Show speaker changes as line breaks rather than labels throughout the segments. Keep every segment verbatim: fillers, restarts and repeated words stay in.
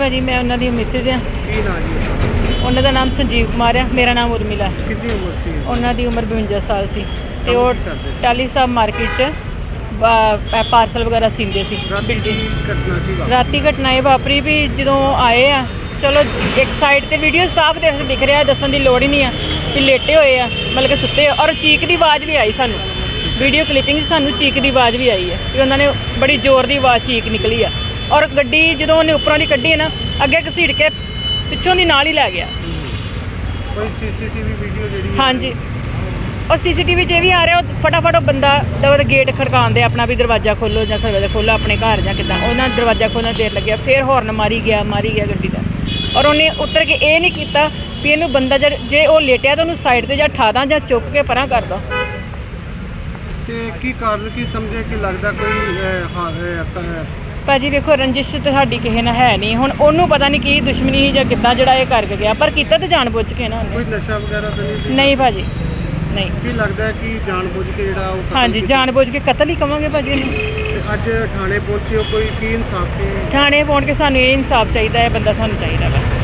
भाजी, मैं उन्होंने मिसिज हाँ।
की नाम जी?
उन्होंने नाम संजीव कुमार है, मेरा नाम उर्मिला है।
कितनी उम्र सी?
उन्होंने उम्र बवंजा साल सी ते
काम
वो
की करदे सी?
टाली साहब मार्केट च पार्सल वगैरह सींदे सी।
राती की घटना की बात?
राती घटना ये वापरी भी जो आए आ, चलो एक साइड ते वीडियो साफ दे दिख रहा है, दसन की लोड़ ही नहीं है कि लेटे हुए आ, मतलब कि सुते, और चीक की आवाज़ भी आई सानू, वीडियो क्लिपिंग सानू चीक की आवाज़ भी आई है कि उन्होंने बड़ी जोर की आवाज़ चीक निकली है, और गड्डी जो उन्हें उपरों की कड्डी है ना, अगे घसीट के पिछों की नाल ही लै गया।
कोई सीसीटीवी वीडियो जी?
हाँ जी, और सी सी टी वी च भी आ रहा, फटाफट बंदा दर गेट खड़कान दे अपना भी दरवाजा खोलो या दरवाजा खोलो अपने घर या कि उन्हें दरवाजा खोलने देर लगे, फिर हॉर्न मारी गया मारी गया गड्डी का, और उन्हें उतर के ये नहीं किया भी इनू बंदा जब जे वो लेटिया तो उन्होंने साइड से या ठा दा या चुक के परा कर दो।
की कारण की समझे कि लगता कोई
भाजी वेखो रंजिश तो साड़ी किसी ने है नहीं, हुण ओनू पता नहीं की दुश्मनी ही या कितना जड़ा ये करके गया, पर किता तो जान बुझ के ना।
कोई नशा वगैरह तो नहीं?
नहीं भाजी नहीं।
की लगता है कि जानबूझ के जेड़ा
हाँ जी, जानबूझ के कतल ही कहांगे भाजी।
अज थाने पहुंचे हो, कोई की इंसाफ की?
थाने पहुंच के सानू ये इंसाफ चाहिए है, बंदा सानू चाहिए बस।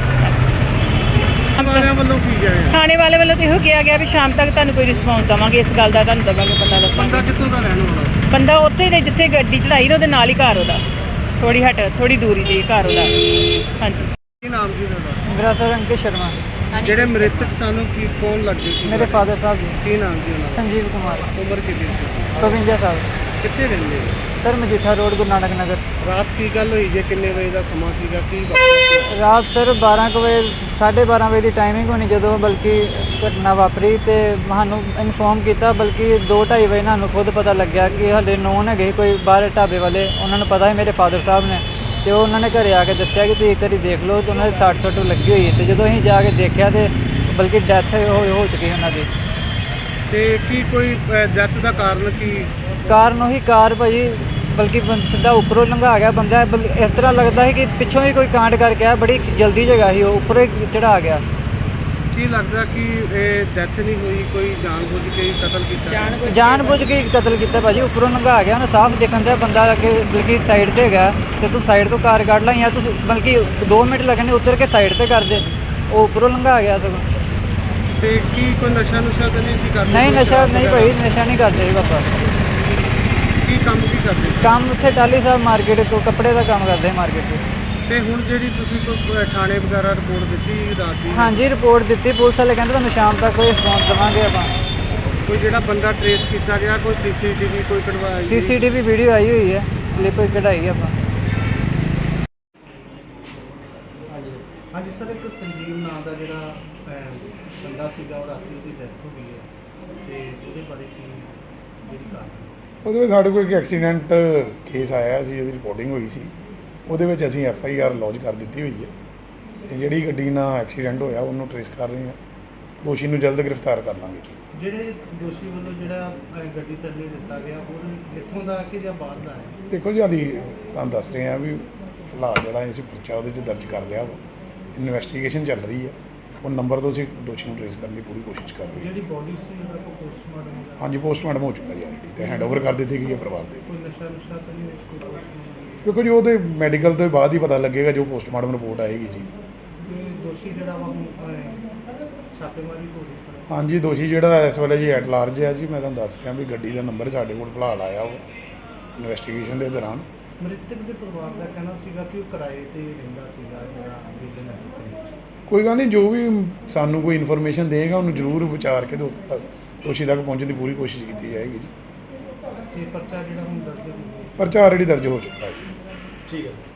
थाने वाले वालों तो यो कहा गया भी शाम तक तुहानू कोई रिस्पॉन्स देवांगे, इस गल का तुहानू देवांगे पता दसांगे।
बंदा कित्थों दा रहने वाला?
बंदा उत्थे दे जिथे गड्डी चढ़ाई ना, उहदे नाल ही घर उहदा, थोड़ी हट थोड़ी दूरी ते घर उहदा। हाँ जी।
की नाम जी तुहाडा?
मेरा सर अंकित शर्मा।
ਜਿਹੜੇ ਮ੍ਰਿਤਕ ਸਾਨੂੰ ਕੀ ਕੌਣ ਲੱਗਦੇ ਸੀ?
मेरे फादर साहब जी
ਕੀ ਨਾਮ ਜੀ ਉਹਨਾਂ
संजीव कुमार,
ਦਾ? ਉਮਰ ਕਿੰਨੀ ਸੀ?
बवंजा साल।
ਕਿੱਥੇ ਰਹਿੰਦੇ ਹੋ?
सर मजीठा रोड गुरु नानक नगर।
ਰਾਤ ਕੀ ਗੱਲ ਹੋਈ ਜੇ? ਕਿੰਨੇ ਵਜੇ ਦਾ ਸਮਾਂ ਸੀਗਾ? ਕੀ ਵਾਪਰਿਆ?
रात सर बारह ਕੁ ਵਜੇ साढ़े बारह ਵਜੇ ਦੀ ਟਾਈਮਿੰਗ ਹੋਣੀ ਜਦੋਂ ਬਲਕਿ ਘਟਨਾ ਵਾਪਰੀ, ਤੇ ਸਾਨੂੰ ਇਨਫੋਰਮ ਕੀਤਾ, ਬਲਕਿ ਦੋ ਢਾਈ ਵਜੇ ਸਾਨੂੰ ਖੁਦ ਪਤਾ ਲੱਗਿਆ ਕਿ ਹਲੇ ਨੌਨ ਹੈਗੇ ਕੋਈ ਬਾਹਰ ਢਾਬੇ ਵਾਲੇ, ਉਹਨਾਂ ਨੂੰ ਪਤਾ ਹੈ ਮੇਰੇ ਫਾਦਰ ਸਾਹਿਬ ਨੇ, ਤੇ ਉਹ ਉਹਨਾਂ ਨੇ ਘਰੇ ਆ ਕੇ ਦੱਸਿਆ ਕਿ ਤੁਸੀਂ ਇੱਕ ਵਾਰੀ ਦੇਖ ਲਓ, ਤੇ ਉਹਨਾਂ ਦੇ ਸੱਟ ਸੁੱਟ ਲੱਗੀ ਹੋਈ ਹੈ, ਤੇ ਜਦੋਂ ਅਸੀਂ ਜਾ ਕੇ ਦੇਖਿਆ ਤੇ ਬਲਕਿ ਡੈਥ ਹੋ ਹੋ ਚੁੱਕੀ ਉਹਨਾਂ ਦੀ।
ਤੇ ਕੀ ਕੋਈ ਡੈਥ ਦਾ ਕਾਰਨ ਕੀ?
ਕਾਰਨ ਉਹੀ ਕਾਰ ਭਾਜੀ, ਬਲਕਿ ਬੰ- ਸਿੱਧਾ ਉੱਪਰੋਂ ਲੰਘਾ ਗਿਆ ਬੰਦਾ, ਬਲ- ਇਸ ਤਰ੍ਹਾਂ ਲੱਗਦਾ ਹੈ ਕਿ ਪਿੱਛੋਂ ਹੀ ਕੋਈ ਕਾਂਡ ਕਰਕੇ ਆ, ਬੜੀ ਜਲਦੀ ਜਗ੍ਹਾ ਸੀ, ਉਹ ਉੱਪਰੋਂ ਹੀ ਚੜਾ ਗਿਆ।
ਕੀ ਲੱਗਦਾ ਕਿ ਇਹ ਡੈਥ ਨਹੀਂ ਹੋਈ, ਕੋਈ ਜਾਣਬੁੱਝ ਕੇ ਹੀ ਕਤਲ ਕੀਤਾ?
ਜਾਣ ਬੁੱਝ ਕੇ ਹੀ ਕਤਲ ਕੀਤਾ ਭਾਜੀ, ਉੱਪਰੋਂ ਲੰਘਾ ਗਿਆ, ਉਹਨੇ ਸਾਫ਼ ਦੇਖਣ ਦਾ ਬੰਦਾ ਕਿ ਬਲਕਿ ਸਾਈਡ ਤੇ ਹੈਗਾ, ਤੇ ਤੂੰ ਸਾਈਡ ਤੋਂ ਕਾਰ ਕੱਢ ਲਾ, ਜਾਂ ਤੂੰ ਬਲਕਿ ਦੋ ਮਿੰਟ ਲੱਗਣੇ ਉਤਰ ਕੇ ਸਾਈਡ ਤੇ ਕਰ ਦੇ, ਉਹ ਉੱਪਰੋਂ ਲੰਘਾ ਗਿਆ ਸਗੋਂ।
ਤੇ ਕੀ ਕੋਈ ਨਸ਼ਾ ਨੁਸ਼ਾ ਤਾਂ ਨਹੀਂ ਸੀ ਕਰਦੇ?
ਨਹੀਂ ਨਸ਼ਾ ਨਹੀਂ ਭਾਈ, ਨਸ਼ਾ ਨਹੀਂ ਕਰਦੇ ਸੀ ਪਾਪਾ।
ਕੀ ਕੰਮ ਕੀ ਕਰਦੇ ਸੀ?
ਕੰਮ ਉੱਥੇ ਟਾਲੀ ਸਾਹਿਬ ਮਾਰਕੀਟ ਤੋਂ ਕੱਪੜੇ ਦਾ ਕੰਮ ਕਰਦੇ ਮਾਰਕੀਟ 'ਚ।
ਤੇ ਹੁਣ ਜਿਹੜੀ ਤੁਸੀਂ ਕੋਈ ਥਾਣੇ ਵਗੈਰਾ ਰਿਪੋਰਟ ਦਿੱਤੀ ਰਾਤ ਦੀ?
ਹਾਂਜੀ ਰਿਪੋਰਟ ਦਿੱਤੀ, ਪੁਲਿਸ ਵਾਲੇ ਕਹਿੰਦੇ ਤੁਹਾਨੂੰ ਸ਼ਾਮ ਤੱਕ ਕੋਈ ਰਿਸਪੌਂਸ ਦੇਵਾਂਗੇ ਆਪਾਂ।
ਕੋਈ ਜਿਹੜਾ ਬੰਦਾ ਟ੍ਰੇਸ ਕੀਤਾ ਗਿਆ, ਕੋਈ ਸੀਸੀਟੀਵੀ ਕੋਈ ਕਢਵਾਇਆ?
ਸੀਸੀਟੀਵੀ ਵੀਡੀਓ ਆਈ ਹੋਈ ਹੈ, ਕਲਿੱਪ ਕਢਾਈ ਆਪਾਂ।
ਹਾਂਜੀ ਸਰ, ਇੱਕ ਸੰਜੀਵ ਨਾਂ ਦਾ ਜਿਹੜਾ ਬੰਦਾ ਸੀਗਾ, ਉਹ ਰਾਤੀ ਉਹਦੀ ਡੈਥ ਹੋ ਗਈ ਹੈ, ਤੇ ਉਹਦੇ ਬਾਰੇ ਕੀ ਜਿਹੜੀ ਕਾਰਨ?
ਉਹਦੇ ਵਿੱਚ ਸਾਡੇ ਕੋਲ ਇੱਕ ਐਕਸੀਡੈਂਟ ਕੇਸ ਆਇਆ ਸੀ, ਉਹਦੀ ਰਿਪੋਰਟਿੰਗ ਹੋਈ ਸੀ, ਉਹਦੇ ਵਿੱਚ ਅਸੀਂ ਐਫ ਆਈ ਆਰ ਲੌਜ ਕਰ ਦਿੱਤੀ ਹੋਈ ਹੈ, ਅਤੇ ਜਿਹੜੀ ਗੱਡੀ ਨਾਲ ਐਕਸੀਡੈਂਟ ਹੋਇਆ ਉਹਨੂੰ ਟਰੇਸ ਕਰ ਰਹੇ ਹਾਂ, ਦੋਸ਼ੀ ਨੂੰ ਜਲਦ ਗ੍ਰਿਫਤਾਰ ਕਰ ਲਾਂਗੇ ਜੀ।
ਜਿਹੜੇ ਦੋਸ਼ੀ ਵੱਲੋਂ ਜਿਹੜਾ ਗੱਡੀ ਥੱਲੇ ਦਿੱਤਾ ਗਿਆ, ਉਹ ਇੱਥੋਂ ਦਾ ਕਿ ਜਾਂ ਬਾਹਰ ਦਾ ਹੈ?
ਦੇਖੋ ਜੀ, ਹਾਲੀ ਤੁਹਾਨੂੰ ਦੱਸ ਰਹੇ ਹਾਂ ਵੀ ਫਿਲਹਾਲ ਜਿਹੜਾ ਅਸੀਂ ਪਰਚਾ ਉਹਦੇ 'ਚ ਦਰਜ ਕਰ ਲਿਆ ਵਾ, ਇਨਵੈਸਟੀਗੇਸ਼ਨ ਚੱਲ ਰਹੀ ਹੈ, ਉਹ ਨੰਬਰ ਤੋਂ ਅਸੀਂ ਦੋਸ਼ੀ ਨੂੰ ਟਰੇਸ ਕਰਨ ਦੀ ਪੂਰੀ ਕੋਸ਼ਿਸ਼ ਕਰ ਰਹੇ ਹਾਂ।
ਜਿਹੜੀ ਬੋਡੀ ਸੀ ਉਹਦਾ ਪੋਸਟਮਾਰਟਮ? ਹਾਂਜੀ,
ਪੋਸਟਮਾਰਟਮ ਹੋ ਚੁੱਕਾ ਜੀ ਆਲਰੇਡੀ, ਅਤੇ ਹੈਂਡ ਓਵਰ ਕਰ ਦਿੱਤੀ ਗਈ ਹੈ ਪਰਿਵਾਰ ਦੇ।
ਕੋਈ ਨਸ਼ਾ ਨੁਸ਼ਾ ਤਾਂ ਨਹੀਂ ਵਿੱਚ? ਕੋਈ
ਦੇਖੋ ਜੀ, ਉਹਦੇ ਮੈਡੀਕਲ ਤੋਂ ਬਾਅਦ ਹੀ ਪਤਾ ਲੱਗੇਗਾ, ਜੋ ਪੋਸਟਮਾਰਟਮ ਰਿਪੋਰਟ ਆਏਗੀ ਜੀ।
ਦੋਸ਼ੀ ਜਿਹੜਾ ਵਾ ਛਾਪੇਮਾਰੀ ਹੋ ਰਹੀ?
ਹਾਂਜੀ, ਦੋਸ਼ੀ ਜਿਹੜਾ ਇਸ ਵੇਲੇ ਜੀ ਐਟ ਲਾਰਜ ਹੈ ਜੀ। ਮੈਂ ਤੁਹਾਨੂੰ ਦੱਸ ਰਿਹਾ ਵੀ ਗੱਡੀ ਦਾ ਨੰਬਰ ਸਾਡੇ ਕੋਲ ਫਿਲਹਾਲ ਆਇਆ ਉਹ ਇਨਵੈਸਟੀਗੇਸ਼ਨ ਦੇ ਦੌਰਾਨ।
ਮ੍ਰਿਤਕ ਦੇ ਪਰਿਵਾਰ ਦਾ ਕਹਿਣਾ ਸੀਗਾ ਕਿ ਉਹ ਕਿਰਾਏ 'ਤੇ ਰਹਿੰਦਾ ਸੀਗਾ ਜਿਹੜਾ ਬਿਲਡਿੰਗ ਹੈ।
ਕੋਈ ਗੱਲ ਨਹੀਂ, ਜੋ ਵੀ ਸਾਨੂੰ ਕੋਈ ਇਨਫੋਰਮੇਸ਼ਨ ਦੇਗਾ ਉਹਨੂੰ ਜ਼ਰੂਰ ਵਿਚਾਰ ਕੇ ਉਸ ਤੱਕ ਦੋਸ਼ੀ ਤੱਕ ਪਹੁੰਚਣ ਦੀ ਪੂਰੀ ਕੋਸ਼ਿਸ਼ ਕੀਤੀ ਜਾਏਗੀ ਜੀ।
ਤੇ ਪਰਚਾ ਜਿਹੜਾ ਹੁਣ ਦਰਜ ਹੋ ਗਿਆ?
ਪਰਚਾ ਆਲਰੇਡੀ ਦਰਜ ਹੋ ਚੁੱਕਾ ਹੈ।
ਠੀਕ ਹੈ।